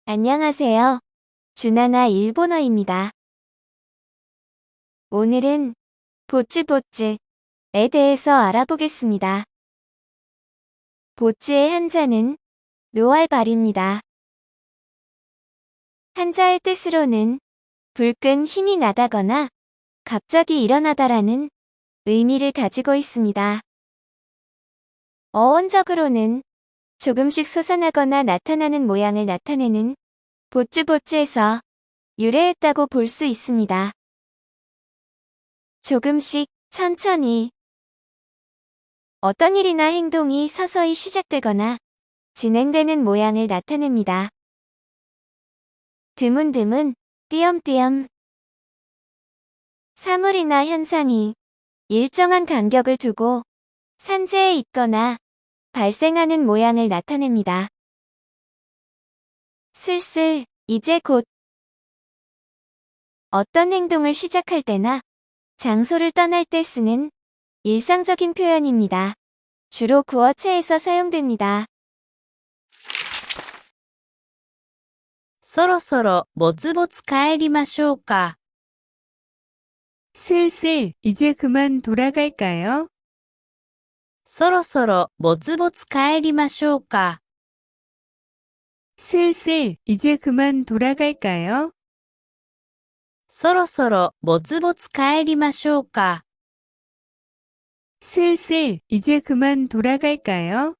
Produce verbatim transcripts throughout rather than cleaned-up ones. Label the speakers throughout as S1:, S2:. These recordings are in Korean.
S1: 안녕하세요. 주나나 일본어입니다. 오늘은 보츠보츠에 대해서 알아보겠습니다. 보츠의 한자는 노알발입니다. 한자의 뜻으로는 불끈 힘이 나다거나 갑자기 일어나다라는 의미를 가지고 있습니다. 어원적으로는 조금씩 솟아나거나 나타나는 모양을 나타내는 보츠보츠에서 유래했다고 볼 수 있습니다. 조금씩, 천천히 어떤 일이나 행동이 서서히 시작되거나 진행되는 모양을 나타냅니다. 드문드문, 띄엄띄엄 사물이나 현상이 일정한 간격을 두고 산재에 있거나 발생하는 모양을 나타냅니다. 슬슬, 이제 곧 어떤 행동을 시작할 때나 장소를 떠날 때 쓰는 일상적인 표현입니다. 주로 구어체에서 사용됩니다.
S2: そろそろぼつぼつ帰りましょうか。
S3: 슬슬 이제 그만 돌아갈까요?
S2: そろそろぼつぼつ帰りましょうか。
S3: 슬슬 이제 그만 돌아갈까요?
S2: そろそろぼつぼつ帰りましょうか。
S3: 슬슬 이제 그만 돌아갈까요?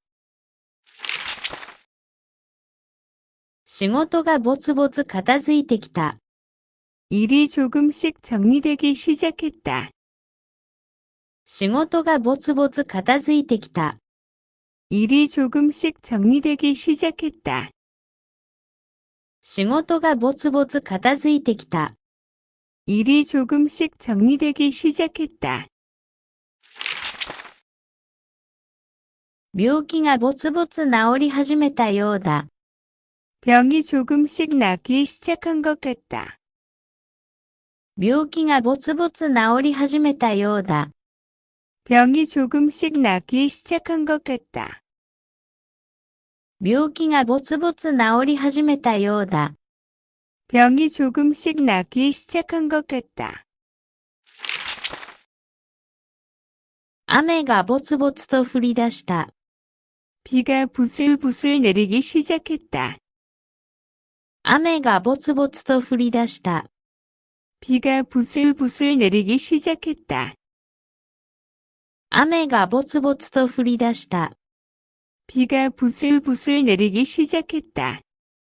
S2: 仕事がぼつぼつ片付いてきた。
S3: 일이 조금씩 정리되기 시작했다.
S2: 仕事がぼつぼつ片付いてきた。
S3: 일이 조금씩 정리되기 시작했다.
S2: 仕事がぼつぼつ片付いてきた。
S3: 일이 조금씩 정리되기 시작했다.
S2: 病気がぼつぼつ治り始めたようだ。
S3: 병이 조금씩 낫기 시작한 것 같다.
S2: 病気がぼつぼつ治り始めたようだ。
S3: 병이 조금씩 낫기 시작한 것 같다.
S2: 病気がぼつぼつ治り始めたようだ。
S3: 병이 조금씩 낫기 시작한 것 같다.
S2: 雨がぼつぼつと降り出した。
S3: 비가 부슬부슬 내리기 시작했다.
S2: 雨がぼつぼつと降り出した。
S3: 비가 부슬부슬 내리기 시작했다.
S2: 雨がぼつぼつと降り出した。
S3: 비가 부슬부슬 내리기 시작했다.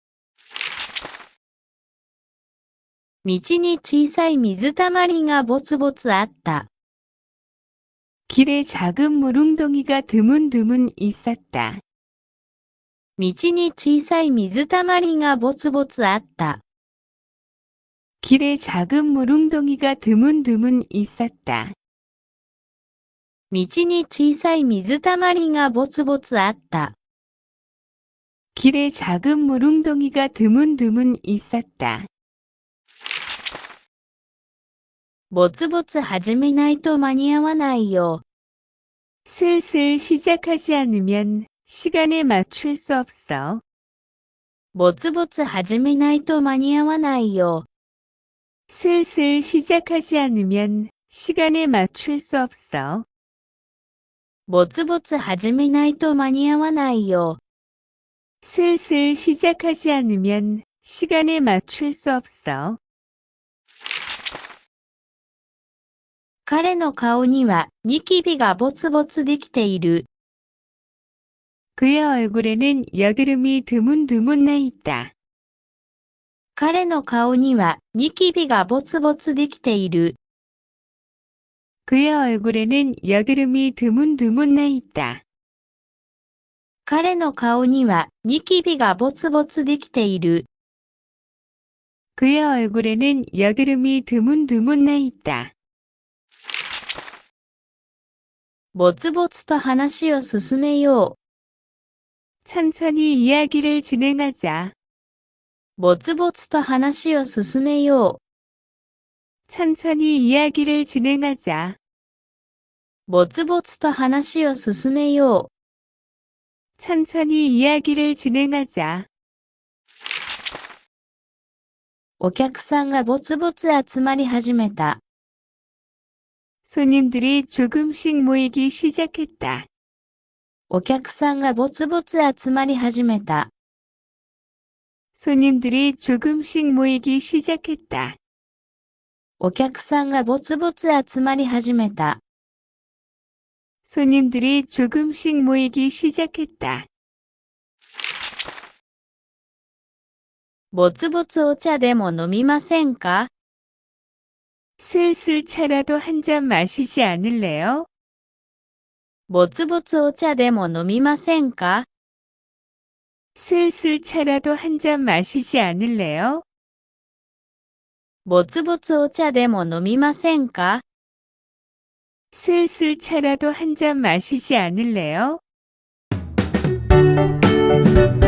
S2: 道に小さい水たまりがぼつぼつあった。
S3: 길에 작은 물웅덩이가 드문드문 있었다.
S2: 道に小さい水たまりがぼつぼつあった。
S3: 길에 작은 물웅덩이가 드문드문 있었다.
S2: 道に小さい水たまりがぼつぼつあった。
S3: 길에 작은 물웅덩이가 드문드문 있었다.
S2: ぼつぼつ始めないと間に合わないよ。
S3: 슬슬 시작하지 않으면 시간에 맞출 수 없어.
S2: ぼつぼつ始めないと間に合わないよ。
S3: 슬슬 시작하지 않으면 시간에 맞출 수 없어.
S2: ぼつぼつ始めないと間に合わないよ。
S3: 슬슬 시작하지 않으면 시간에 맞출 수 없어.
S2: 彼の顔にはニキビがぼつぼつできている。
S3: 그의 얼굴에는 여드름이 드문드문 나 있다.
S2: 彼の顔にはニキビがぼつぼつできている。
S3: 그의 얼굴에는 여드름이 드문드문 나 있다.
S2: 彼の顔にはニキビがぼつぼつできている。
S3: 그의 얼굴에는 여드름이 드문드문 나 있다.
S2: ぼつぼつと話を進めよう。
S3: 천천히 이야기를 진행하자.
S2: ぼつぼつと話を進めよう。
S3: 천천히 이야기를 진행하자.
S2: ぼつぼつと話を進めよう。
S3: 천천히 이야기를 진행하자.
S2: お客さんがぼつぼつ集まり始めた。
S3: 손님들이 조금씩 모이기 시작했다.
S2: お客さんがぼつぼつ集まり始めた。
S3: 손님들이 조금씩 모이기 시작했다.
S2: お客さんがぼつぼつ集まり始めた。
S3: 손님들이 조금씩 모이기 시작했다.
S2: ぼつぼつお茶でも飲みませんか？
S3: 슬슬 차라도 한 잔 마시지 않을래요?
S2: ぼつぼつお茶でも飲みませんか？
S3: 슬슬 차라도 한 잔 마시지 않을래요?
S2: ぼつぼつお茶でも飲みませんか？
S3: 슬슬 차라도 한 잔 마시지 않을래요?